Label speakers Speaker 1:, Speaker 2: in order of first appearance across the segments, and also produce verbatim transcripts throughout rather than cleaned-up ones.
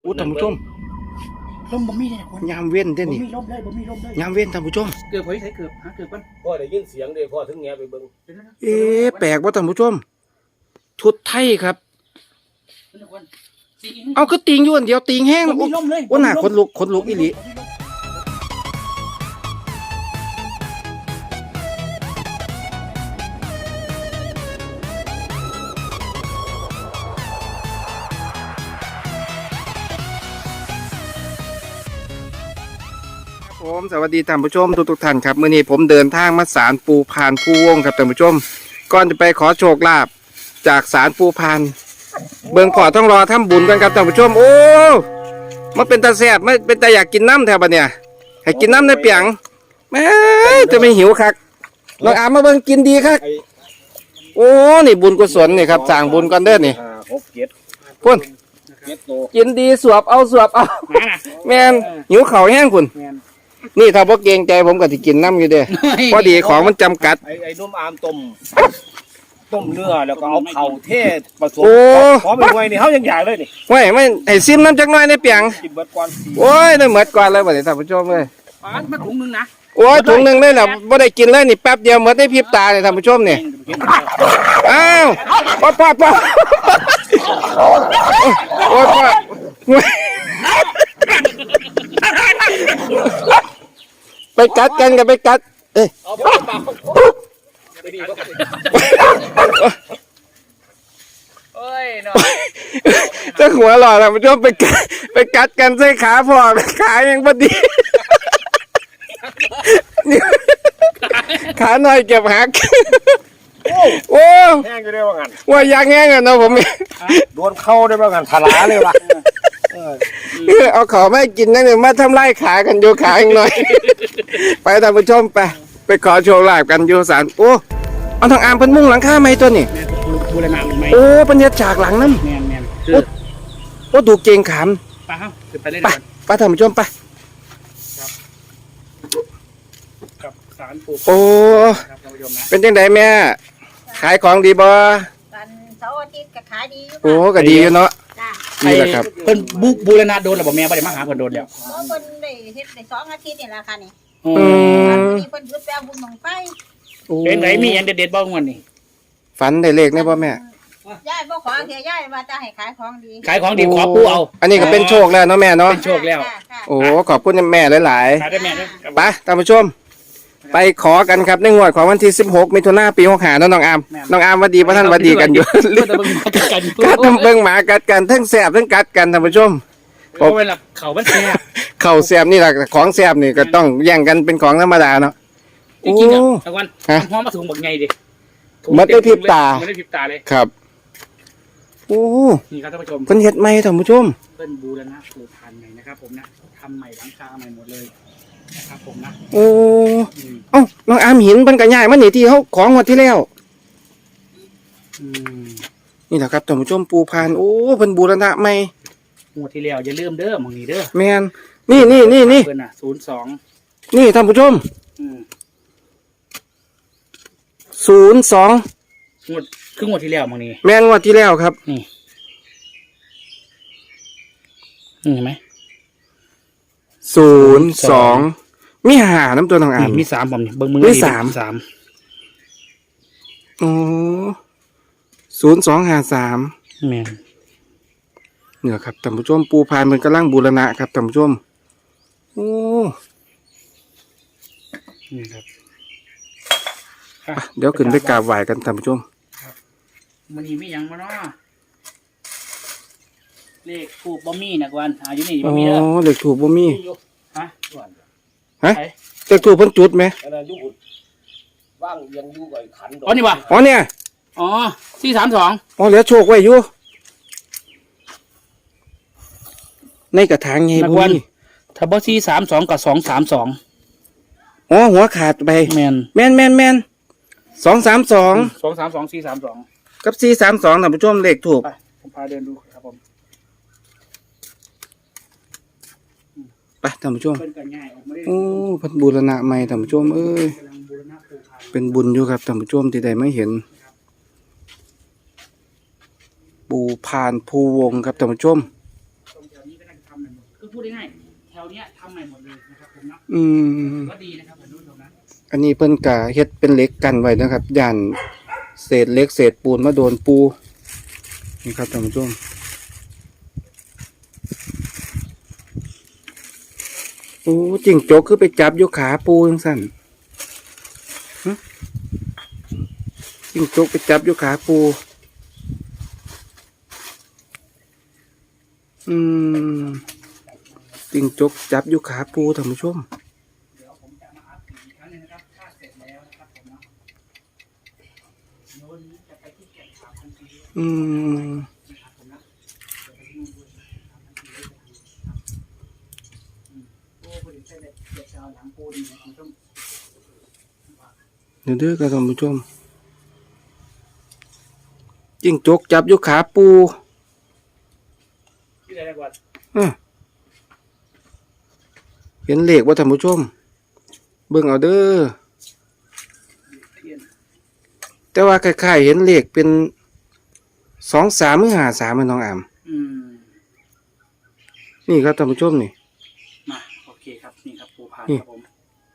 Speaker 1: อู้ท่านผู้ชม
Speaker 2: ลมบ่มีเลยคน
Speaker 1: ยามเว้นเด้
Speaker 2: บ่
Speaker 1: นี่
Speaker 2: มีลมเลยบ่มีลมเลย
Speaker 1: ยามเว้นท่านผู้ชม
Speaker 2: เกือบพอใช้เกือบหาเกือบกัน
Speaker 3: พ่อได้ยินเสียงเด้พ่อถึงแงไปเบิ่ง
Speaker 1: เอ๊ะแปลกว่าท่านผู้ชมชุดไทยครับเอาก็ติงอยู่อันเดียวติงแห้ง
Speaker 2: บ่มีลมเลย
Speaker 1: โอ้หน้าคนลุกคนลุกอีหลีผมสวัสดีท่านผู้ชมทุกทุกท่านครับมื้อนี้ผมเดินทางมาศาลปูพานผู้วงครับท่านผู้ชมก่อนจะไปขอโชคลาภจากศาลปูพานเบิ่งพอต้องรอทำบุญกันครับท่านผู้ชมโอ้มันเป็นตาแซ่บมันเป็นตาอยากกินน้ำแถวบัดเนี่ยให้กินน้ำในเปียงแม่จะไม่หิวคักน้องอามมาเบิ่งกินดีคักโอ้นี่บุญกุศลนี่ครับสร้างบุญกันเด้อนี่
Speaker 3: หกเจ็ด
Speaker 1: พุ่นกินดีสวบเอาสวบเอาแม่นหิวเข่าแห้งคุณนี่ถ้าพวกเกรงใจผมก็จะกินน้ำอยู่เด้พอดีของมันจำกัด
Speaker 3: ไอ้ไอ้นุ่มอามต้มต้มเนื้อแล้วก็เอาเข่าเทศผสมขอไปไว้นี่เขายังใหญ่เลยนี่
Speaker 1: ไว้ไม่ให้ซิมน้ำจักหน่อยในเปียง
Speaker 3: กินเบิดก่อน
Speaker 1: โอ้ยได้เหมือดก่อนเลยบ่ได้ท่านผู้ชมเลย
Speaker 2: มาถุงนึงนะ
Speaker 1: โอ้ยถุงหนึ่งได้แล้วบ่ได้กินเลยนี่แป๊บเดียวเหมือดได้พริบตาเลยท่านผู้ชมนี่อ้าวป๊อปป๊อปป๊อปโอ้ยป๊อปไปกัดกันกันไปกัดเอ้ย
Speaker 2: โอ้ยเนาะ
Speaker 1: เจ้าหัวหล่อท่านผู้ชมไปไปกัดกันใส่ขาพอขายังพอดีขาหน่อยเก็บหักโอ้
Speaker 3: แห้งอยู่ได้ว่างั้น
Speaker 1: ว่ายางแห้งอ่ะเนาะผม
Speaker 3: โดนเข้าได้ว่างั้นทลาเลยว่ะ
Speaker 1: เอาขอไม่กินนั่นเลยมาทำไล่ขากันโยขาอีกหน่อยไปท่านผู้ชมไปไปขอโชว์ลาบกันโยสารโอ้เอาทางอามเป็นมุ้งหลังคาไหมตัวนี่
Speaker 2: บูรณะมันไหม
Speaker 1: โอ้ปัญญาจากหลังน้ำ
Speaker 2: แมนแมน
Speaker 1: โอ้โอ้ดูเก่งขาม
Speaker 2: ไปเฮ้าไปเล่น
Speaker 1: ไปไปท่านผู้ชมไป
Speaker 2: กับสารปู
Speaker 1: โอ้เป็นจังไดแม่ขายของดีบ่
Speaker 4: กันเสาร์อาทิตย์ก็ขายดีอยู่
Speaker 1: โอ้ก็ดีอยู่เนาะ
Speaker 2: นี่แหละครับเพิ่นบูบูรณะโดนหรือเปล่าแม่บ่ได้มาหาเพิ่นโดนแล้ว
Speaker 4: เพราะเพิ่นได้เฮ็ดได้สองอาทิตย์นี่แหละค่ะนี่
Speaker 1: อืม
Speaker 4: นี่เพิ่นหยุดแปลงบุญบังไฟ
Speaker 2: เป็นไหนมีอันเด็ดๆบ้างวันนี้
Speaker 1: ฝันได้เลขได้บ่แม่
Speaker 4: ยายบ่ขอเสียยายว่าจะให้ขายของดี
Speaker 2: ขายของดีขอปูเอา
Speaker 1: อันนี้ก็เป็นโชคแล้วเนาะแม่เนาะ
Speaker 2: เป็นโชคแล้ว
Speaker 1: โอ้ขอบคุณแม่หลาย
Speaker 2: ๆขายได้แม่เด้อ
Speaker 1: ไปท่านผู้ชมไปขอกันครับในงวดของวันที่สิบหกมิถุนายนปีหกห้าน้องอามน้องอามวัดดีพระท่านวัดดีกันอยู่กัดทำเบิ่งหมากัดกันทั้งแสบทั้งกัดกันท่านผู้ชม
Speaker 2: เพราะเวลาเข่ามันแสบ
Speaker 1: เข่าแสบนี่แหละของแสบนี่ก็ต้องแย่งกันเป็นของธรรมดาเนาะ
Speaker 2: จริงๆอ่ะตะวันพร้อมมาถุงบักไงดิ
Speaker 1: มันได้พริบตา
Speaker 2: มันได้พริบตาเลย
Speaker 1: ครับโอ้
Speaker 2: นี่ครับท่านผู้ชม
Speaker 1: เพิ่นเฮ็ดใหม่ท่านผู้ชม
Speaker 2: เพิ่นบูรณะปูพานใหม่นะครับผมนะทำใหม่หลังคาใหม่หมดเลยนะครับผมนะ
Speaker 1: โอ้เอ้าน้องอามหินเพิ่นก็ย้ายมานี่ที่เฮาของงวดที่แล้วนี่แหละครับท่านผู้ชมปูพานโอ้เพิ่นบูรณะใหม่
Speaker 2: งวดที่แล้วอย่าลืมเด้อมื้อนี้เด้อ
Speaker 1: แม่นนี่นี่นี่นี่
Speaker 2: เพิ่นน่ะศูนย์สอง
Speaker 1: นี่ท่านผู้ชมศูนย์สอง
Speaker 2: งวดคืองวดที่แล้วมื้อนี้
Speaker 1: แม่นงวดที่แล้วครับ
Speaker 2: นี่เห็นไหม
Speaker 1: ศูนย์สองมีหาน้ำตัวทางอ่าน
Speaker 2: มีสามผมนี่เบิ้งมือ
Speaker 1: มีสาม
Speaker 2: สาม
Speaker 1: โอ้ศูนย์สองหาสาม
Speaker 2: แม่น
Speaker 1: เนี่ยครับท่านผู้ชมปูพานมันกำลังบูรณะครับท่านผู้ชมโอ้
Speaker 2: นี่ครับ
Speaker 1: เดี๋ยวขึ้นไปกราบไหว้กันท่านผู้ชม
Speaker 2: มันนี่ไม่ยังมาเนาะเลขถูกบ่มีนะกวนอาอยู่นี่บ่มีเด้อ
Speaker 1: อ๋อเลขถูกบ่มี
Speaker 2: ฮะ
Speaker 1: ฮะเลขถูกเพิ่นจุดไหม
Speaker 3: ว่างยังอยู่กับขัน
Speaker 2: อ๋อนี่ป่ะ
Speaker 1: อ๋อเนี่ย
Speaker 2: อ๋อสี่สามสอง
Speaker 1: อ๋อเหลือโชคไว้อยู่ในกระถางไงบุญ
Speaker 2: ถ้าบ่สี่สามสองกับสองสามสอง
Speaker 1: อ๋อหัวขาดไป
Speaker 2: แมน
Speaker 1: แมนแมนแมนสองสามสอง
Speaker 2: สองสามสองสี่สามสอง
Speaker 1: กับสี่สามสองท่านผู้ชมเลขถูก
Speaker 2: ไปผมพาเดินดูครับผม
Speaker 1: ไปท่านผู้ชมโอ้พันบูรณะใหม่ท่านผู้ชมเอ้ยเป็นบุญอยู่ครับท่านผู้ชมที่ใดไม่เห็นปูพานภูวงครับท่านผู้ชม
Speaker 2: ทำใหม่หมดคือพูดง่ายๆแถวเนี้ยทำใหม่หมดเลยนะครับผมเนาะ
Speaker 1: อืม
Speaker 2: ก็ดีนะครับท่านผู้ชมนะ
Speaker 1: อันนี้เพิ่นกะเฮ็ดเป็นเหล็กกันไว้นะครับย่านเศษเหล็กเศษปูนมาโดนปูนี่ครับท่านผู้ชมโอ้จิงจกคือไปจับอยู่ขาปูจังซั่นหึจิงจกไปจับอยู่ขาปูอืมจิงจกจับอยู่ขาปูท่านผู้ชม
Speaker 2: เดี๋ยวผมจะมาอัพอีกครั้งหนึงนะครับถ้าเสร็จแล้วนะครับผมเนาะโน้นนี้จะไปที่แก่งขาวทันที
Speaker 1: อืม
Speaker 2: นะครับผมนะเดี๋ยวไปที่นู่นด้วยนะครับทันทีเลยนะครับอืมโอ้พอดีใช่เลยเดี๋ยวจะเอาหลังปูนเนี่ยคุณผู้ชม
Speaker 1: เดี๋ยวเด้อครับท่านผู้ชมจิงจกจับอยู่ขาปู
Speaker 2: ที่ไหนดีกว่า
Speaker 1: เอ้อเห็นเลขว่าท่านผู้ชม เบิ่งเอาเด้อ
Speaker 2: เทียน
Speaker 1: แต่ว่าคล้ายๆเห็นเลขเป็นสองสามหรือห้าสามมันน้องอาม
Speaker 2: อืม
Speaker 1: นี่ครับท่านผู้ชมนี่
Speaker 2: มาโอเคครับนี่ครับปูพาน
Speaker 1: นี่
Speaker 2: ครับผม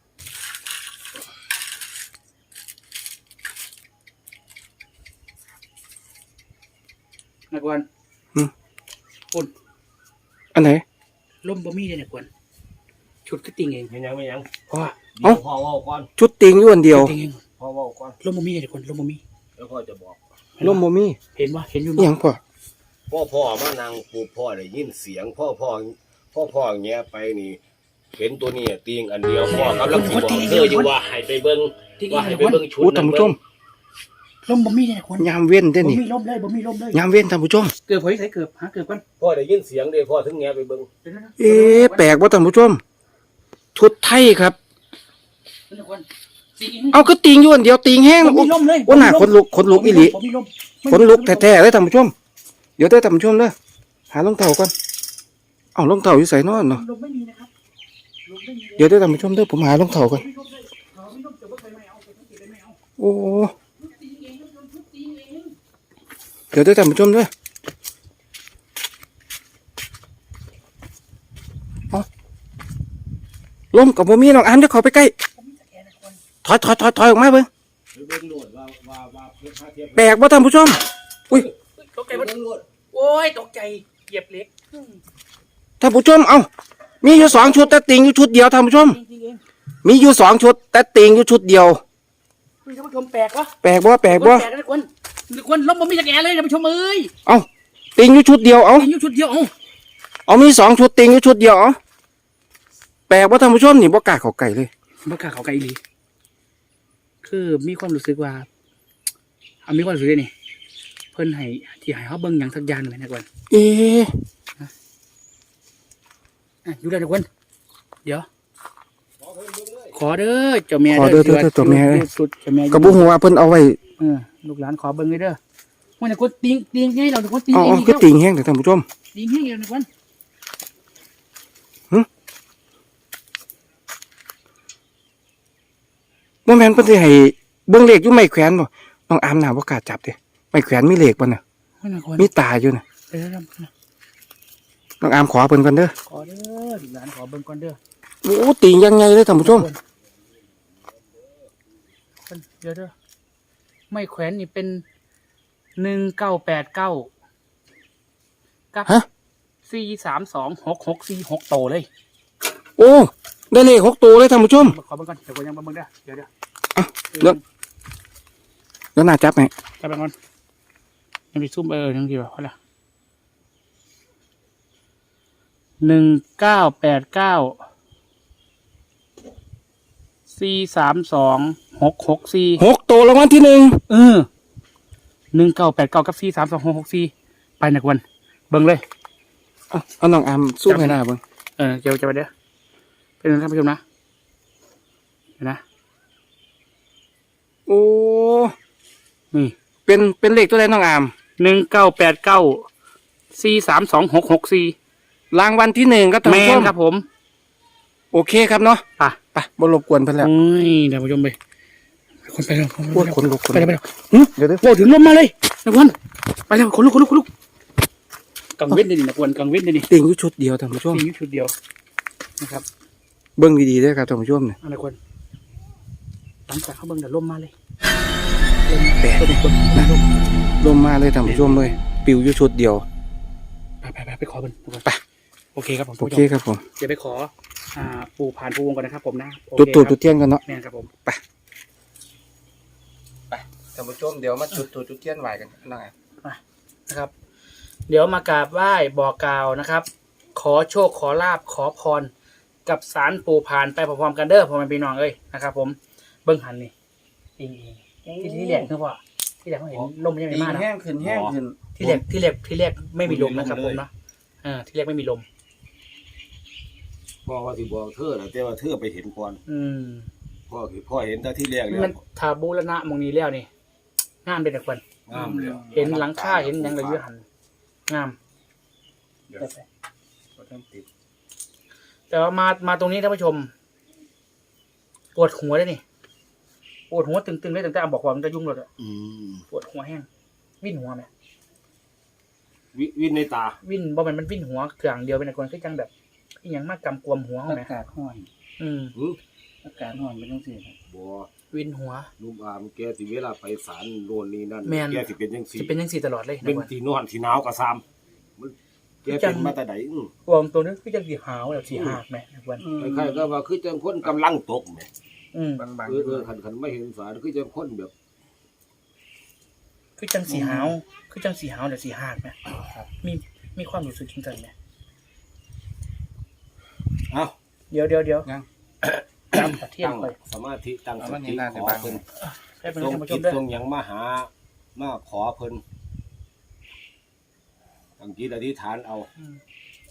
Speaker 2: นักวนคุณ
Speaker 1: อันไหน
Speaker 2: ล่มบะมี่เลยนักวนชุดก็ติงเอง
Speaker 3: ไม่ยังไม่ยัง
Speaker 2: พ่อ
Speaker 3: เดี๋ยวพ่อเว่าก่อน
Speaker 1: ชุดติงอยู่อันเดียว
Speaker 2: ติงเอง
Speaker 3: พ่อเว่าก่อน
Speaker 2: ล่มบะมี่เลยนักวนล่มบะมี่
Speaker 3: แล้วพ่อจะบอก
Speaker 1: ล่มบ่มี
Speaker 2: เห็นว่าเห็นอยู่
Speaker 1: อีหยังพ่อ
Speaker 3: พ่อพ่อมานางปูพ่อได้ยินเสียง พ่อพ่อพ่อพ่อแงไปนี่ เห็นตัวนี้ตีงอันเดียวพ่อกำลังสิบอกเธออยู่ว่าให้ไปเบิ่ง
Speaker 2: ติงเอ
Speaker 3: ว่าง ให้
Speaker 2: นัก
Speaker 3: ไป
Speaker 2: วน
Speaker 3: เบิ่งชุด
Speaker 1: โอ้ท่านผู้ชม
Speaker 2: ล่มบะมี่เลยนักวน
Speaker 1: ยามเว้นเด้อ
Speaker 2: บะ
Speaker 1: นี่
Speaker 2: มี่ล่มเลยบะมี่ล่มเลย
Speaker 1: ยามเว้นท่านผู้ชม
Speaker 2: เกือบเฮ้ยใส่เกือบหาเกือบกัน
Speaker 3: พ่อได้ยินเสียงเด้พ่อถึงแงไปเบิ่ง
Speaker 2: เดี๋ยวนะ
Speaker 1: เอ๊ะแปลกว่าท่านผู้ชม ชุดไทยครับ
Speaker 2: นักวนติงเอง
Speaker 1: เอาก็ติงอยู่อันเดียวติงแห้ง
Speaker 2: บะมี่ล่มเลย
Speaker 1: โอ้หน้าขนลุกขนลุกอีหลี
Speaker 2: บะมี่ล่ม
Speaker 1: ขนลุกแท้ๆเลยท่านผู้ชม เดี๋ยวเด้อท่านผู้ชมเด้อหารองเท้าก่อนเอารองเท้าอยู่ใส่นอนเนาะ
Speaker 2: ลมไม่มีนะครับลมไม่มีเลย
Speaker 1: เดี๋ยวเด้อท่านผู้ชมเด้อผมหารองเท้าก่อน
Speaker 2: ไม่ลมเลยเขาไม่ลมแต่ว่าใครไม่เอาแต่ต้องติดเลยไม่เอา
Speaker 1: โอ้
Speaker 2: ทุบตีเองทุบทุบตีเอง
Speaker 1: เดี๋ยวเด้อท่านผู้ชมเด้อเอาลมกับบ่มีน้องอามเดี๋ยวเขาไปใกล้
Speaker 2: ผมมีสแกนนะคน
Speaker 1: ถอยถอยถอยถอยออกมาเบิ่ง
Speaker 3: ไปเบิ่งโลดว่าว่าว่าเพื่อพาเทียบ
Speaker 1: แปลกว่าท่านผู้ชม อุ้ย
Speaker 2: ตกใจ
Speaker 3: ไป
Speaker 2: หมด
Speaker 3: เบิ่งโลด
Speaker 2: โอ้ยตกใจเหยียบเล็ก
Speaker 1: ท่านผู้ชม เอ้า มีอยู่สองชุดแต่ติงอยู่ชุดเดียวท่านผู้ชม
Speaker 2: จริงๆเอง
Speaker 1: มีอยู่สองชุดแต่ติงอยู่ชุดเดียว
Speaker 2: คุณท่านผู้ชมแปลกวะ
Speaker 1: แปลกบ่แปลกบ่
Speaker 2: แปลกนะคนคนล้มผมมีสแกนเลยท่านผู้ชมเอ้ย
Speaker 1: เอ้า ติงอยู่ชุดเดียว เอ้า
Speaker 2: ยิงอยู่ชุดเดียวเอ้า
Speaker 1: เอามีสองชุดติงอยู่ชุดเดียว เอ้า แปลกว่าท่านผู้ชมนี่บ่กล้าเข้าใกล้เลย
Speaker 2: บ้ากาเขาไกลดีคือมีความรู้สึกว่าเอามีความรู้สึกนี่เพิ่นให้ที่ให้เขาเบิ่งอย่างสักอย่างหนึ่งนะคน
Speaker 1: เอ๊ะ
Speaker 2: อยู่ได้ทุกคนเดี๋ยว
Speaker 3: ขอเพิ่นเบิ่งเลย
Speaker 2: ขอเด้อเจ้าแม่
Speaker 1: ขอเด้อเด้อเด้อตัวแม่เอ้ย
Speaker 2: สุดเจ้าแม่
Speaker 1: กระบุหัวาเพิ่นเอาไว้
Speaker 2: เออลูกหลานขอเบิ่งเลยเด้อวันนี้คนติงติงให้เราทุกคนติง
Speaker 1: เอ๋
Speaker 2: เอง
Speaker 1: อ
Speaker 2: อีก
Speaker 1: คือ
Speaker 2: แล้ว
Speaker 1: ติงแห้งเด้อท่านผู้ชม
Speaker 2: ติงให้เราทุกคน
Speaker 1: บ่แม่นเพิ่นสิให้เบิ่งเลขอยู่ไม้แขวนบ่น้องอามน่าบ่กล้าจับเด้ไม้แขวนมีเลขบ่น่ะ
Speaker 2: วันนี้คน
Speaker 1: มีตาอยู่น่ะ
Speaker 2: เด้อ
Speaker 1: น้องอามขอเพิ่นก่อนเด้อ
Speaker 2: ขอเด้อลูกหลานขอเบิ่งก่อนเด้อ
Speaker 1: โอ้ติงยังไงเลยท่านผู้ชม
Speaker 2: คนเดี๋ยวเด้อไม่แขวนนี่เป็นหนึ่งเก้าแปดเก้ากับ
Speaker 1: ฮะ
Speaker 2: สี่สามสองหกหกสี่หกโตเลย
Speaker 1: โอ้ ได้เลขหกตัวเลยท่านผู้ชม
Speaker 2: ขอเบิ่งก่อนเดี๋ยวผมยังเบิ่งเด้อเดี๋ยวเดี๋ยว
Speaker 1: อ่ะเดี๋ยว แล้วน่าจับไหม
Speaker 2: จับไปก่อนยังไปซุ่มเออยังดีกว่าเพราะอะไรหนึ่งเก้าแปดเก้าสี่สามสองหกหกสี่
Speaker 1: หกตัวรางวัลที่หนึ่ง
Speaker 2: เออหนึ่งเก้าแปดเก้ากับสี่สามสองหกหกสี่ไปนักวันเบิ่งเลย
Speaker 1: เอาเอาน้องอามสู้ให้หน้าเบิ่ง
Speaker 2: เออเดี๋ยวจะไปเด้อเป็นท่านผู้ชมนะเห็นนะ
Speaker 1: โอ้
Speaker 2: นี่
Speaker 1: เป็นเป็นเลขตัวใดน้องอาม
Speaker 2: หนึ่งเก้าแปดเก้าสี่สามสองหกหกสี่
Speaker 1: รางวัลที่หนึ่งครับท่าน
Speaker 2: แม
Speaker 1: ผู้ช
Speaker 2: น
Speaker 1: ม
Speaker 2: ครับผม
Speaker 1: โอเคครับเนาะ
Speaker 2: ไป่ะ
Speaker 1: ไปบ่รบกวนเพิ่นแล้ว
Speaker 2: โอ้ยเดี๋ยวผู้ชมไปคนไปแล้วคน
Speaker 1: ปวด
Speaker 2: ไป
Speaker 1: ขนลุกขน
Speaker 2: ไป
Speaker 1: ลุ
Speaker 2: แล้ว
Speaker 1: ก
Speaker 2: ไปแล้ว
Speaker 1: เดี๋ยวเดี๋ยว
Speaker 2: โอ้ถึงลมมาเลยนักวันไปแล้วขนลุกขนลุกขนลุกกังเว้นได้ดินะควรกังเว้นได้ดิ
Speaker 1: ติ่งอยู่ชุดเดียวท่านผู้ชม
Speaker 2: มีอยู่ชุดเดียวนะครับ
Speaker 1: เบิ่งดีๆเด้อครับท่านผู้ชมเนี่ย
Speaker 2: อะไรควรหลังจากเขาเบิ่งเดี๋ยวล่มมาเลย
Speaker 1: แปด
Speaker 2: เบิ่งเบิ่งเบิ่งลม
Speaker 1: ลมมาเลยท่านผู้ชมเลยปิวอยู่ชุดเดียว
Speaker 2: ไปไปไปไปขอเบิ่งไปโอเคครับผม
Speaker 1: โอเคครับผม
Speaker 2: เดี๋ยวไปขออ่าปูผ่านปูวงก่อนนะครับผมนะโอ
Speaker 1: จุด
Speaker 2: เค
Speaker 1: ตูด
Speaker 2: ค
Speaker 1: จุ
Speaker 2: รับ
Speaker 1: ดเทียนกันเนาะ
Speaker 2: แม่นครับผม
Speaker 1: ท่านผู้ชมเดี๋ยวมาจุดตูดจุดเทียนไหวกันหน่อย
Speaker 2: นะครับ เดี๋ยวมากราบไหว้บอกกล่าวนะครับ ขอโชคขอลาบขอพรกับสารปูผ่านไปพร้อมๆกันเด้อพ่อแม่พี่น้องเอ้ยนะครับผมเบิ่งหันนี่อิงอิงที่ที่แรกคือว่าที่แรกเขาเห็นลมยังไม่
Speaker 1: ดี
Speaker 2: มานะ
Speaker 1: แห้งขึ้นแห้งขึ้น
Speaker 2: ที่แรกที่แรกที่แรกไม่มีลมนะครับผมเนาะอ่าที่แรกไม่มีลม
Speaker 3: พ่อว่าสิบอกเธอน่ะแต่ว่าเธอไปเห็นก่อน
Speaker 2: อืม
Speaker 3: พ่อคือพ่อเห็นแต่ที่แรกแล้ว
Speaker 2: มันทาบูรณะหมองนี้แล้วนี่งามเป็นแต่คน
Speaker 3: งามเลย
Speaker 2: เห็นหลังคาเห็นหยังเลยอยืหันงาม แต่ว่ามามาตรงนี้ท่านผู้ชม ปวดหัวได้นี่ปวดหัวตึงๆได้ตั้งแต่บอกว่ามันจะยุ่งเลยอะ
Speaker 3: อืม
Speaker 2: ปวดหัวแห้งวิ่นหัวไหม
Speaker 3: วิวินในตา
Speaker 2: วิ่นบ่แมันมันวิ่นหัวเครื่องเดียวเป็นแต่คนคือจังแบบอีหยังมากกำกวมหัวเขาไหม
Speaker 5: อากาศร้อน
Speaker 2: อืม
Speaker 3: หือ
Speaker 5: อากาศร้อนเป็นจังซี่ครับ
Speaker 3: บ่
Speaker 2: วิ่นหัว
Speaker 3: นุ่มอามแกสิเวลาไปศาลโน่นนี่นั่น
Speaker 2: แม่น
Speaker 3: แกสิเป็นจังซี่
Speaker 2: จะเป็นยังสี่ตลอดเลย
Speaker 3: เป็น
Speaker 2: นะคน
Speaker 3: ที่นอนที่หนาวก็ซ้ำมันแกเป็นมาแต่ใดอื้อ
Speaker 2: รวมตัวนี้คือจังสีหาวแบบสีหากไหมนะคน
Speaker 3: คล้ายๆก็ว่าคือจังคนกำลังตกแหม
Speaker 2: อืม
Speaker 1: บาง
Speaker 3: เออเออคันคันไม่เห็นฝาคือจังคนแบบ
Speaker 2: คือจังสีหาวคือจังสีหาวแบบสีหากไหมมีมีความรู้สึกจริงจังไหม
Speaker 3: เอ้า
Speaker 2: เดี๋ยวเดี๋ยวเดี๋ยว
Speaker 1: ยัง
Speaker 2: ตามประเทศ
Speaker 3: ตั้ง
Speaker 2: ไป
Speaker 3: สมาธิตั้ง
Speaker 1: เอา
Speaker 3: ส
Speaker 1: มัน
Speaker 3: ติ
Speaker 1: นี่น่า
Speaker 3: ข
Speaker 1: จะ
Speaker 3: อ
Speaker 1: บัง
Speaker 3: เพิ่น
Speaker 2: ให้เป็น
Speaker 3: ตรง
Speaker 2: ท่านผู้ช
Speaker 3: จิ
Speaker 2: ม
Speaker 3: ต
Speaker 2: ด้วย
Speaker 3: ตรงหยังมาหามาขอเพิ่นตั้งจิตอธิษฐานเอา
Speaker 2: อืม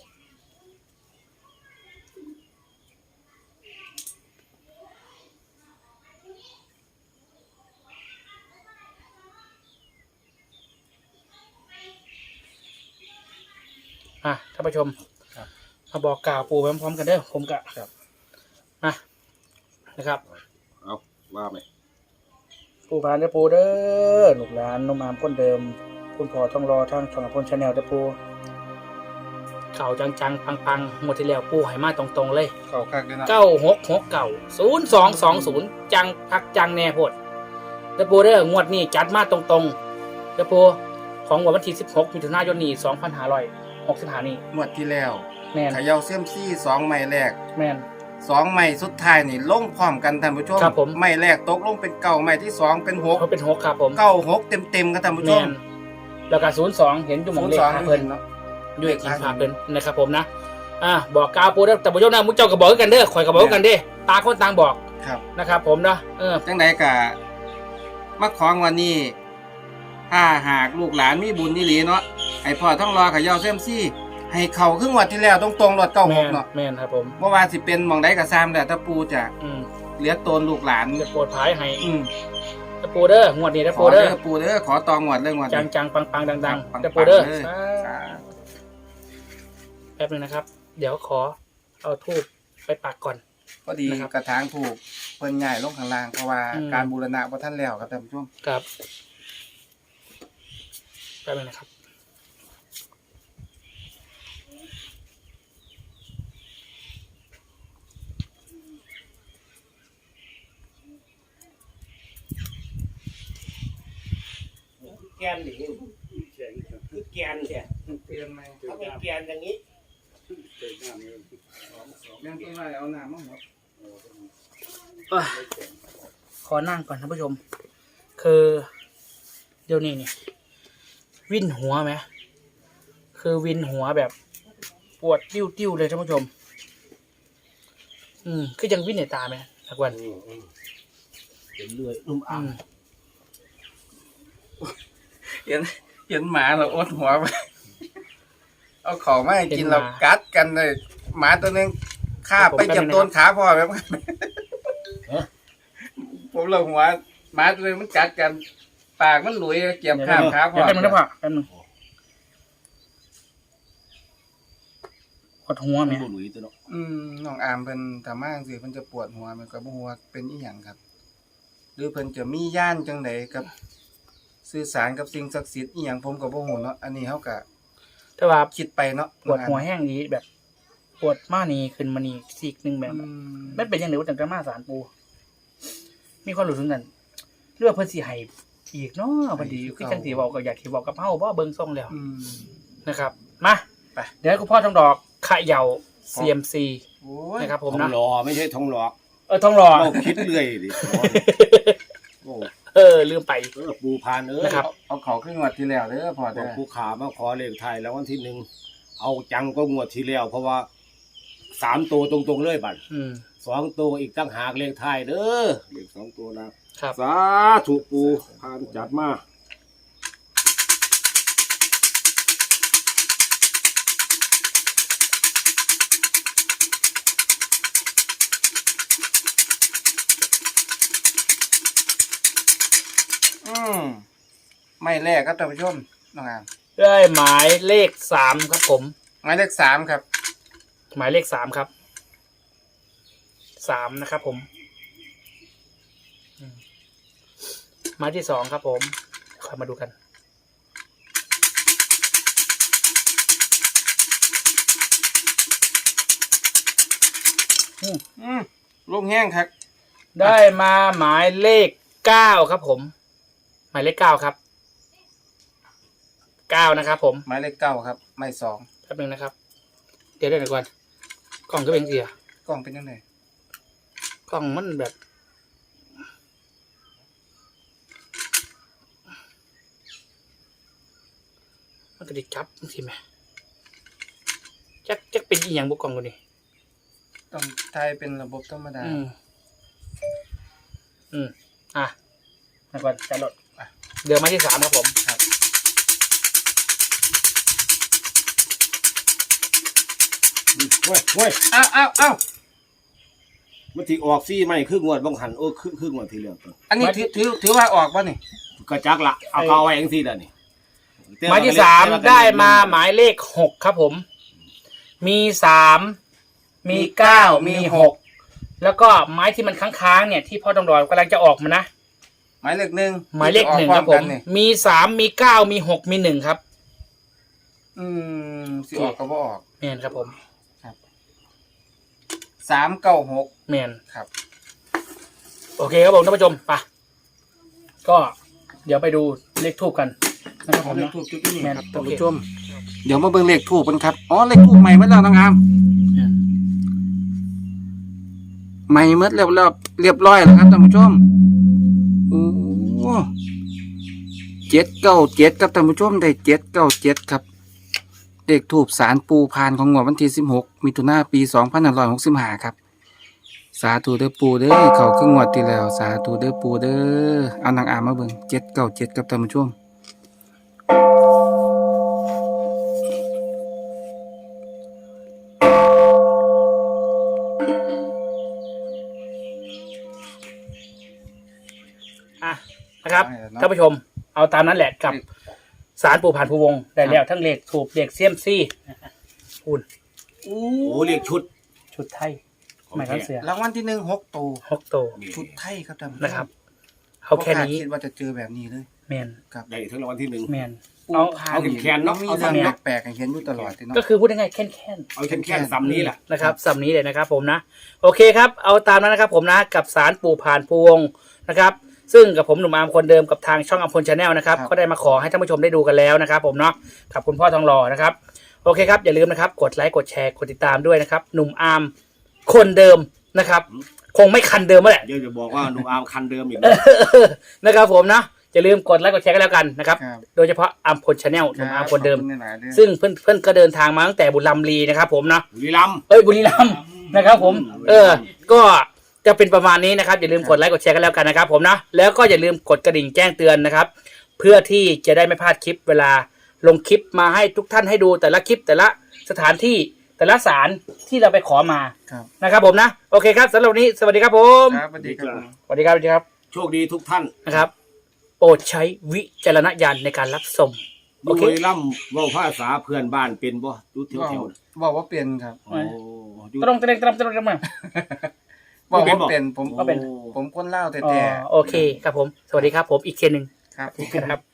Speaker 2: อ่ะท่านผู้ชมมาบอกกล่าวปู่ไปพร้อมๆกันเด้อผมกะครับอ่ะนะครับ
Speaker 3: เอาว่าไหม
Speaker 2: ปู่พานเด้อปู่เด้อลูกหลานนุ่มอามคนเดิม คุณพ่อต้องรอทางช่องพลชาแนลเด้อปู่เข่าจังๆปังๆหมดที่แล้วปู่ให้มาตรงๆเลย
Speaker 1: เข้าคักด้วยนะ
Speaker 2: เก้าหกหกเก้าศูนย์สองสองศูนย์จังพักจังแน่โพดเด้อปู่เด้องวดนี้จัดมาตรงๆเด้อปู่ของวันที่สิบหกมิถุนายนนี้สองพันห้าร้อยหกสิบห้านี่
Speaker 1: งวดที่แล้ว
Speaker 2: แม่น
Speaker 1: เขย่าเซียมซี่สองไม้แรก
Speaker 2: แม่น
Speaker 1: สองไม้สุดท้ายนี่ลงพร้อมกันท่านผู้ชม
Speaker 2: ครับผม
Speaker 1: ไม้แรกตกลงเป็นเก้าไม้ที่สองเป็นหก
Speaker 2: เขาเป็นหกครับผม
Speaker 1: เก้าหกเต็มเต็มๆครับท่านผู้ช
Speaker 2: แม่
Speaker 1: ม
Speaker 2: นแล้วก็ศูนย์สองเห็นอยู่หมองเลข
Speaker 1: สอง
Speaker 2: หาเพิ่น
Speaker 1: เนาะ
Speaker 2: ด้วยกินผาเพิ่นนะครับผมนะอ่าบอกกล่าวปู่เด้อแต่ผู้ชมนะมุ้งเจ้าก็บอกคือกันเด้อข่อยก็บอกคือกันเด้อตาคนต่างบอก
Speaker 1: ครับ
Speaker 2: นะครับผมนะเออ
Speaker 1: จังไดกะมาของวันนี้ ถ้าหากลูกหลานมีบุญนี่หลีเนาะให้พ่อต้องรอเขย่าเซียมซี่ให้เขาครึ่งวัดที่แล้วตรงๆรถเก้าห
Speaker 2: แม่
Speaker 1: ก
Speaker 2: น
Speaker 1: เนาะ
Speaker 2: แม่นครับผม
Speaker 1: เมื่อวานสิเป็นหมองใดกะซามแต่ถ้าปูจะ
Speaker 2: อืม
Speaker 1: เหลือโตนลูกหลาน
Speaker 2: จะโปรดภายให้
Speaker 1: อืม
Speaker 2: จะปูเด้องวดนี้จะ
Speaker 1: ข
Speaker 2: ปู
Speaker 1: อ
Speaker 2: เด้
Speaker 1: เด้
Speaker 2: อ
Speaker 1: อปูเด้อขอตองวดเรื่องวด
Speaker 2: จั
Speaker 1: นี้
Speaker 2: งจังปังปังดังดัง
Speaker 1: ปังๆ
Speaker 2: จะปูเด้อ
Speaker 1: เลย
Speaker 2: สาธุแป๊บนึงนะครับ เดี๋ยวขอเอาทูบไปปักก่อน
Speaker 1: พอดี
Speaker 2: นะครับ
Speaker 1: กระถางถูกเพิ่นใหญ่ลงข้างล่างเพราะว่า
Speaker 2: อืม
Speaker 1: การบูรณะบ่ทันแล้วครับท่านผู้ชม
Speaker 2: ครับแป๊บนึงนะครับ
Speaker 3: แกนดิคือแกนเนี่ย
Speaker 1: เตือนไหม
Speaker 3: ถ้าเป็นแกนอย่างนี้
Speaker 1: แม่นต้องไล่เอาน้ำมาหมด
Speaker 2: เอ้ยขอนั่งก่อนท่านผู้ชม คือเดี๋ยวนี้นี่วินหัวไหมคือวินหัวแบบ ปวดติ้วติ้วๆเลยท่านผู้ชม อืมคือยังวินในตาไหมสักวัน
Speaker 3: เป็นเลื่อยนุ่ม
Speaker 2: อื
Speaker 3: อ่ำ
Speaker 2: ม
Speaker 1: เห็นเห็นหมาเราอดหัวไปเอาของมาให้กินเรากัดกันเลยหมาตัวหนึงคาบไปจับต้นขาพ่อแบบผมเราหัวหมาตัวหนึงมันกัดกัน ปากมันหลุยเกี่ยมข้ามขาพ่อ
Speaker 2: เดี๋ยวแป๊บนึงนะพ่อแป๊บนึงปวดหัวไหม
Speaker 3: บุหรี่ตัวเนาะ
Speaker 1: อืมน้องอามเพิ่นถ้ามาจังซี่เพิ่นจะปวดหัวมันก็บ่ฮู้ว่าเป็นอีหยังครับ หรือเพิ่นจะมีย่านจังไดกับสื่อสารกับสิ่งศักดิ์สิทธิ์อีหยังผมก็บ่ฮู้เนาะอันนี้เฮาก็
Speaker 2: แต่ว่า
Speaker 1: คิดไปเนาะ
Speaker 2: ปวดหัวแห้งนี้แบบปวดมานี่ขึ้นมานี่ซีกหนึงแบบ
Speaker 1: อืม
Speaker 2: ไม่เป็นยังไงว่าจังกะมาสารปูมีความรู้สึกนั้นเรื่องเพิ่นสิให้อีกเนาะพอดีคือจังสิเว้าก็อยากสิเว้ากับเฮาบ่เบิ่งทรงแล้ว
Speaker 1: อืม
Speaker 2: นะครับมา
Speaker 1: ไป
Speaker 2: เดี๋ยวให้คุณพ่อทองดอกเขย่า ซี เอ็ม ซี
Speaker 1: โอ้ย
Speaker 2: นะครับ
Speaker 3: ท
Speaker 2: ผ
Speaker 3: อ
Speaker 2: ม
Speaker 3: ง
Speaker 2: นะ
Speaker 3: หลอไม่ใช่ทองหลอก
Speaker 2: เออทองหล่อ
Speaker 3: เราคิดเรื่อยดิโอ้
Speaker 2: เออลืมไป
Speaker 3: เออปูพานเอ้ย
Speaker 2: นะครับ
Speaker 1: เอาเขาขึ้นงวดที่แล้วเด้อพอ
Speaker 3: บอก
Speaker 1: เด้อ
Speaker 3: ผู้ขามาขอเลขไทยแล้ววันที่หนึ่งเอาจังก็งวดที่แล้วเพราะว่าสามตัวตรงๆเลยบัด
Speaker 2: อืม
Speaker 3: สองตัวอีกตั้งหากเลขไทยเด้อเลขสองตัวนะครับ สาธุปูพานจัดมา
Speaker 1: อืมไม่แรกครับท่านผู้ชมน้องอาม
Speaker 2: ได้หมายเลขสามครับผม
Speaker 1: หมายเลขสามครับ
Speaker 2: หมายเลขสามครับสามนะครับผมอืมหมายที่สองครับผมคอยมาดูกัน
Speaker 1: อืมลูกแห้งครับ
Speaker 2: ได้มาหมายเลขเก้าครับผม หมายเลขเก้าครับเก้านะครับผม
Speaker 1: หมายเลขเก้าครับ ไม่สอง
Speaker 2: แป๊บนึงนะครับ เดี๋ยวเดี๋ยวก่อนกล่องก็เป็นเสีย
Speaker 1: กล้องเป็นยังไง
Speaker 2: กล่องมันแบบมันกระดิกจับสิแม่จักจักเป็นอีหยังบุกกล่องกูนี่
Speaker 1: ต้องทายเป็นระบบธรรมดา
Speaker 2: อืมอืมอ่ะแล้วก่อนจะลดอ่ะเดือนมาที่สามครับผม
Speaker 1: ครับ
Speaker 3: เว้ยเว้ย
Speaker 1: อ้าวอ้าวอ้าว
Speaker 3: มันที่ออกซี่ไม่คืองวดบังหันโอ้คือคืองวดที่แล้วตัว
Speaker 1: อันนี้ถือถือถือว่าออกป่ะนี่
Speaker 3: กระจักละเอาเขาเอาไว้เองสิล่ะนี่
Speaker 2: หมายที่สามได้มาหมายเลขหกครับผม มีสามมีเก้ามีหกแล้วก็ไม้ที่มันค้างๆเนี่ยที่พ่อต้องรอกำลังจะออกมานะ
Speaker 1: หมายเลขหนึ่ง
Speaker 2: หมายเลขหนึ่งครับผม
Speaker 1: ออกพอกันนี่
Speaker 2: มีสามมีเก้ามีหกมีหนึ่งครับ
Speaker 1: อืมสิออกก็บ่ออก
Speaker 2: แมนครับผม
Speaker 1: สามเก้าหก
Speaker 2: แมน
Speaker 1: ครับ
Speaker 2: โอเคครับผมท่านผู้ชมไปก็เดี๋ยวไปดูเลขทูบกันนะครับผม
Speaker 1: เลข
Speaker 2: เนาะ
Speaker 1: ทูบจุดที่นี่
Speaker 2: แม่น
Speaker 1: ครับ
Speaker 2: โอ
Speaker 1: ท่าน
Speaker 2: เค
Speaker 1: ผู้ชม เดี๋ยวมาเบิ่งเลขทูบกันครับ อ๋อ เลขทูบใหม่เมื่อแล้วน้องอาม
Speaker 2: แม่น
Speaker 1: ใหม่เมื่อแล้วแล้วเรียบร้อยแล้วครับท่านผู้ชม โอ้เจ็ดเก้าเจ็ดครับท่านผู้ชมได้เจ็ดเก้าเจ็ดครับ เลขทูบสารปูพานของงวดวันที่สิบหกมิถุนายนปีสองพันห้าร้อยหกสิบห้าครับ สาธุเด้อปูเด้อเขาครึ่งงวดที่แล้ว สาธุเด้อปูเด้อเอานางอามมาเบิ่งเจ็ดเก้าเจ็ดครับท่านผู้ชม
Speaker 2: อ่ะนะครับ
Speaker 1: ได้แล้วเนอะ
Speaker 2: ท่านผู้ชม เอาตามนั้นแหละกับสารปู่ผ่านภูวงศ์ได้แล้วทั้งเลขถูกเลขเซียมซี่คุณ
Speaker 3: โอ้เรียกชุด
Speaker 2: ชุดไทยไม่ต้องเสีย
Speaker 1: รางวัลที่หนึ่งหกตัว
Speaker 2: ฮอกโต
Speaker 1: ชุดไทยครับท่านผู้ชม
Speaker 2: นะครับเอาแค่นี้
Speaker 1: บ่าดคิดว่าจะเจอแบบนี้เลย
Speaker 2: แมน
Speaker 3: ได้ทั้งรางวัลที่หนึ่ง
Speaker 2: แมน
Speaker 1: เอา
Speaker 2: เอา
Speaker 3: เอาแขนๆเนาะ
Speaker 1: มี
Speaker 3: เอา
Speaker 1: เรื่อง
Speaker 3: ทำเนี่ย
Speaker 1: แปลกๆให้เห็นอยู่ตลอดเลยเนาะ
Speaker 2: ก็คือพูดง่ายๆแค่นแค่น
Speaker 3: เอาแค่แค่ซ้ำนี้แหละ
Speaker 2: นะครับสำนี้เลยนะครับผมนะโอเคครับ เอาตามนั้นนะครับผมนะกับสารปู่ผ่านภูวงศ์นะครับซึ่งกับผมหนุ่มอาร์มคนเดิมกับทางช่องอัมพลชาแนลนะครับก็ได้มาขอให้ท่านผู้ชมได้ดูกันแล้วนะครับผมเนาะกับคุณพ่อทองหล่อนะครับโอเคครับอย่าลืมนะครับกดไลค์กดแชร์กดติดตามด้วยนะครับหนุ่มอาร์มคนเดิมนะครับคงไม่คันเดิมแล้วแหละ
Speaker 3: เดี๋ยวจะบอกว่าหนูอามคันเดิมอีก
Speaker 2: นะครับผมนะอย่าลืมกดไลค์กดแชร์กันแล้วกันนะครับ
Speaker 1: ครับ
Speaker 2: โดยเฉพาะอัมพลชาแนลหนุ่มอาร์มคนเดิม
Speaker 1: ขอบณหลายๆเรื่อง
Speaker 2: ซึ่งเพื่อนเพื่อนก็เดินทางมาตั้งแต่บุรีรัมย์ลีนะครับผมนะ
Speaker 3: บุรีรัมย์
Speaker 2: เอ้ยบุรีรัมย์นะครับผมเออก็จะเป็นประมาณนี้นะครับอย่าลืมกดไลค์กดแชร์กันแล้วกันนะครับผมนะแล้วก็อย่าลืมกดกระดิ่งแจ้งเตือนนะครับเพื่อที่จะได้ไม่พลาดคลิปเวลาลงคลิปมาให้ทุกท่านให้ดูแต่ละคลิปแต่ละสถานที่แต่ละสารที่เราไปขอมา
Speaker 1: ครับ
Speaker 2: นะครับผมนะโอเคครับสำหรับวันนี้สวัสดีครับผม
Speaker 1: ครับสวัสดีครับผม
Speaker 2: สวัสดีครับสวัสดีครับ
Speaker 3: โชคดีทุกท่าน
Speaker 2: นะครับโปรดใช้วิจารณญาณในการรับชมโอ
Speaker 3: บุ
Speaker 2: เค
Speaker 3: รีรัมย์เว่าภาษาเพื่อนบ้านเป็นบ่ดูแถวแถว
Speaker 1: บอกว่าเปลี่ยนครับ
Speaker 3: โอ้อยู่
Speaker 2: ตรงตรงตรงตรงตรงมา
Speaker 1: บอกว่าเปลี่ยนผม
Speaker 2: ก็เป็น
Speaker 1: ผมคนเล่าวแต่
Speaker 2: อ๋อ
Speaker 1: แต่
Speaker 2: โอเคครับผมสวัสดีครับผมอีกเคนหนึ่ง
Speaker 1: ครับ
Speaker 2: ครับ